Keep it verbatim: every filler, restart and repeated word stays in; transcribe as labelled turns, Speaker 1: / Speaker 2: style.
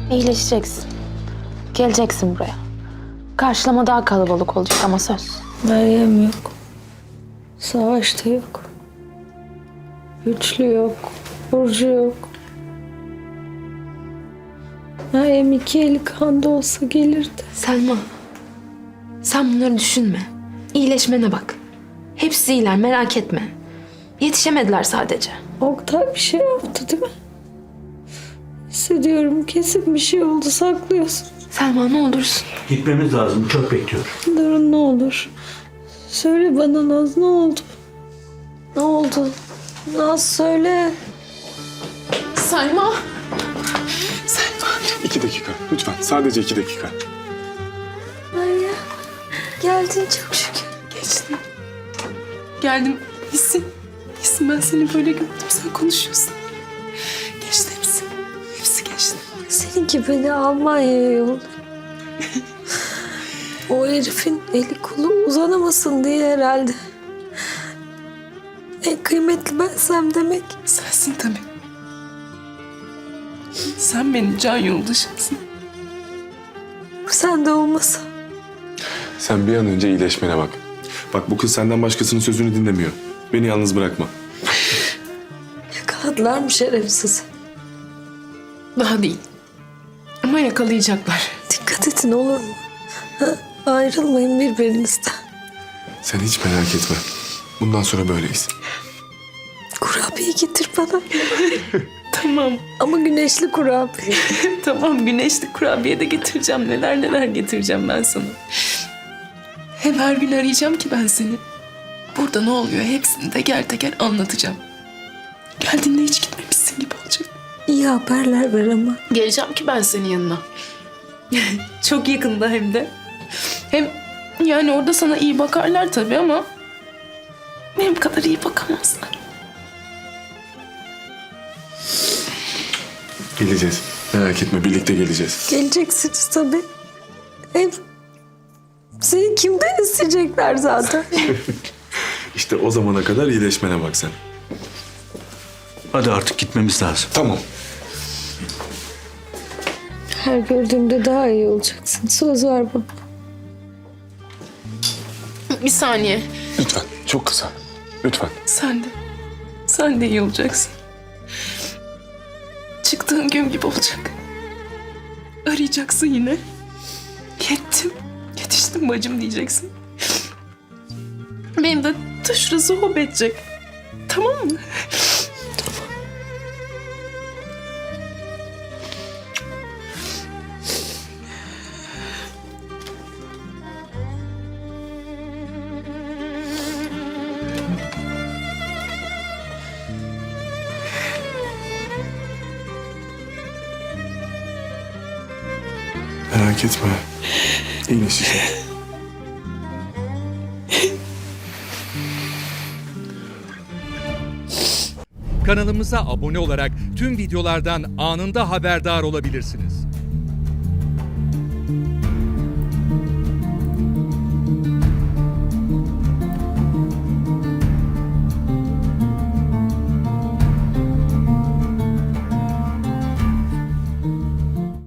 Speaker 1: İyileşeceksin. Geleceksin buraya. Karşılama daha kalabalık olacak ama söz.
Speaker 2: Meryem yok. Savaşta yok. Güçlü yok. Burcu yok. Meryem iki eli kanda olsa gelirdi.
Speaker 1: Selma, sen bunları düşünme. İyileşmene bak. Hepsi iyiler, merak etme. Yetişemediler sadece.
Speaker 2: Oktay bir şey yaptı değil mi? Hissediyorum kesin bir şey oldu, saklıyorsun.
Speaker 1: Selma ne olursun.
Speaker 3: Gitmemiz lazım. Çok bekliyor.
Speaker 2: Durun ne olur. Söyle bana Naz, ne oldu? Ne oldu? Naz söyle.
Speaker 1: Selma.
Speaker 4: İki dakika. Lütfen. Sadece iki dakika.
Speaker 2: Meryem geldin çok şükür.
Speaker 5: Geçtim. Geldim. Hissin. Hissin, ben seni böyle gördüm. Sen konuşuyorsun. Geçti hepsi. Hepsi geçti.
Speaker 2: Seninki beni Almanya'ya yolladı. O herifin eli kolu uzanamasın diye herhalde. En kıymetli bensem demek.
Speaker 5: Sensin tabii. Sen benim can yoldaşımsın.
Speaker 2: Sen de olmasa.
Speaker 4: Sen bir an önce iyileşmene bak. Bak bu kız senden başkasının sözünü dinlemiyor. Beni yalnız bırakma.
Speaker 2: Yakaladılar mı şerefsiz?
Speaker 5: Daha değil. Ama yakalayacaklar.
Speaker 2: Dikkat edin olur mu? Ha, ayrılmayın birbirinizden.
Speaker 4: Sen hiç merak etme. Bundan sonra böyleyiz.
Speaker 2: Kurabiye getir bana.
Speaker 5: Tamam.
Speaker 2: Ama güneşli kurabiye.
Speaker 5: Tamam, güneşli kurabiye de getireceğim. Neler neler getireceğim ben sana. Hem her gün arayacağım ki ben seni. Burada ne oluyor hepsini teker teker anlatacağım. Geldiğinde hiç gitmemişsin gibi olacak.
Speaker 2: İyi haberler ver ama.
Speaker 5: Geleceğim ki ben senin yanına. Çok yakında hem de. Hem yani orada sana iyi bakarlar tabii ama benim kadar iyi bakamazlar.
Speaker 4: Geleceğiz. Merak etme, birlikte geleceğiz.
Speaker 2: Geleceksiniz tabii. Hem seni kimden isteyecekler zaten?
Speaker 4: İşte o zamana kadar iyileşmene bak sen.
Speaker 3: Hadi artık gitmemiz lazım.
Speaker 4: Tamam.
Speaker 2: Her gördüğümde daha iyi olacaksın. Söz ver bana.
Speaker 5: Bir saniye.
Speaker 4: Lütfen. Çok kısa. Lütfen.
Speaker 5: Sen de. Sen de iyi olacaksın. Çıktığın gün gibi olacak. Arayacaksın yine. Yettim. Yetiştim bacım diyeceksin. Benim de taşırası hop edecek. Tamam mı?
Speaker 4: Merak etme. İyileşecek.
Speaker 6: Kanalımıza abone olarak tüm videolardan anında haberdar olabilirsiniz.